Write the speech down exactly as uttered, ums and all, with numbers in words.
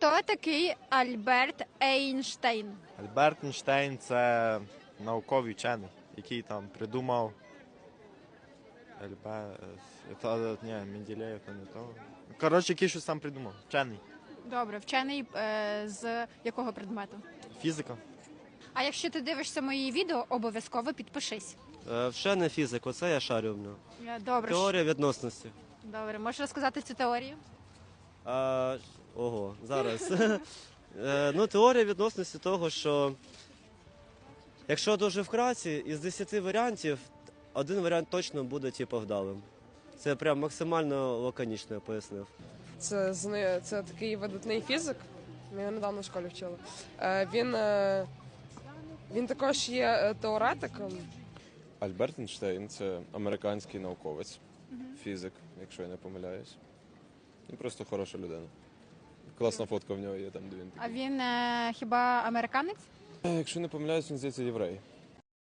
Хто такий Альберт Ейнштейн? Альберт Ейнштейн – це науковий вчений, який там придумав Альберт... Та, ні, Менделєєв, то не то. Коротше, який щось там придумав. Вчений. Добре, вчений е, з якого предмету? Фізика. А якщо ти дивишся мої відео, обов'язково підпишись. Е, Вчений фізик, оце я шарю в нього. Е, Добре. Теорія відносності. Добре, можеш розказати цю теорію? А, ого, зараз. Е, Ну, теорія відносності того, що якщо дуже вкратці, із десяти варіантів один варіант точно буде типу вдалим. Це прям максимально лаконічно я пояснив. Це, зна- це такий видатний фізик. Ми його недавно в школі вчили. Е, Він, е, він також є е, теоретиком. Альберт Ейнштейн – це американський науковець, фізик, якщо я не помиляюсь. Він просто хороша людина. Класна фотка в нього є там, де він А такий. він е, хіба американець? Е, Якщо не помиляюсь, він здається єврей.